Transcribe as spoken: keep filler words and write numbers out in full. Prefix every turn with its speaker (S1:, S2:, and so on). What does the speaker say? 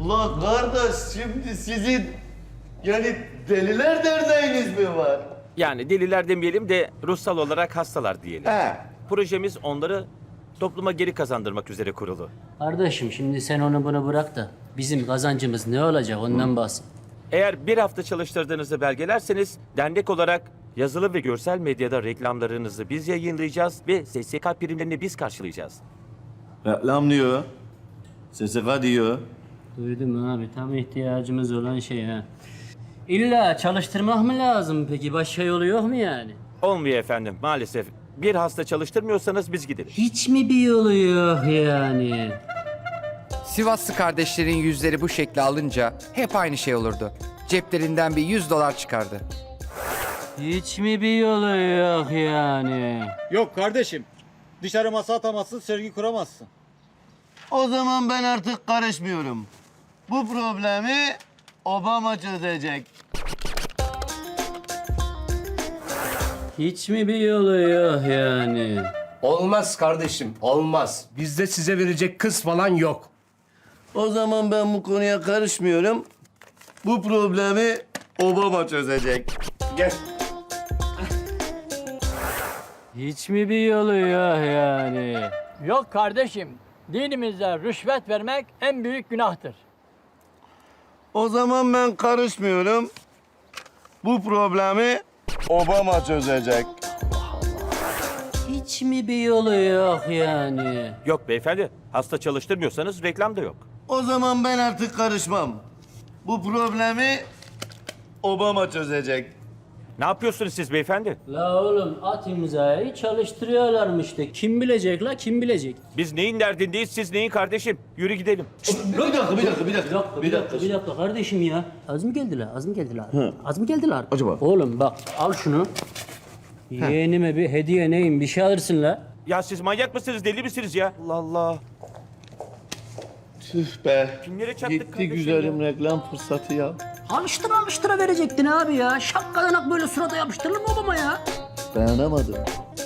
S1: Ula kardeş şimdi sizin yani Deliler Derneğiniz mi var?
S2: Yani deliler demeyelim de ruhsal olarak hastalar diyelim.
S1: He.
S2: Projemiz onları topluma geri kazandırmak üzere kurulu.
S3: Kardeşim şimdi sen onu bunu bırak da bizim kazancımız ne olacak ondan bahset.
S2: Eğer bir hafta çalıştırdığınızı belgelerseniz dernek olarak yazılı ve görsel medyada reklamlarınızı biz yayınlayacağız ve S S K primlerini biz karşılayacağız.
S1: Reklam diyor. S S K diyor.
S3: Duydum abi tam ihtiyacımız olan şey ha. İlla çalıştırmak mı lazım peki? Başka yolu yok mu yani?
S2: Olmuyor efendim maalesef. Bir hasta çalıştırmıyorsanız biz gideriz.
S3: Hiç mi bir yolu yok yani?
S4: Sivaslı kardeşlerin yüzleri bu şekli alınca hep aynı şey olurdu. Ceplerinden bir yüz dolar çıkardı.
S3: Hiç mi bir yolu yok yani?
S5: Yok kardeşim. Dışarı masa atamazsın, sergi kuramazsın.
S1: O zaman ben artık karışmıyorum. Bu problemi Obama çözecek.
S3: Hiç mi bir yolu yok yani?
S6: Olmaz kardeşim, olmaz. Bizde size verecek kız falan yok.
S1: O zaman ben bu konuya karışmıyorum. Bu problemi Obama çözecek. Gel.
S3: Hiç mi bir yolu yok yani?
S7: Yok kardeşim. Dinimizde rüşvet vermek en büyük günahtır.
S1: O zaman ben karışmıyorum. Bu problemi Obama çözecek.
S3: Hiç mi bir yolu yok yani?
S2: Yok beyefendi hasta çalıştırmıyorsanız reklam da yok.
S1: O zaman ben artık karışmam. Bu problemi Obama çözecek.
S2: Ne yapıyorsunuz siz beyefendi?
S3: La oğlum at imzayı çalıştırıyorlarmış de. Kim bilecek la kim bilecek?
S2: Biz neyin derdindeyiz siz neyin kardeşim? Yürü gidelim.
S1: Bir dakika, bir dakika, bir
S3: Bir
S1: dakika.
S3: dakika, bir dakika, bir dakika kardeşim ya. Az mı geldiler, az mı geldiler? Az mı geldiler?
S1: Acaba?
S3: Oğlum bak al şunu. Yeğenime bir hediye neyim bir şey alırsın la.
S2: Ya siz manyak mısınız deli misiniz ya? Allah Allah.
S1: Tüh be.
S2: Kimlere çattık
S1: Gitti
S2: kardeşim
S1: güzelim reklam fırsatı ya.
S3: Alıştıra alıştıra verecektin abi ya. Şapkadanak böyle surata yapıştırılır mı babama ya?
S1: Dayanamadım.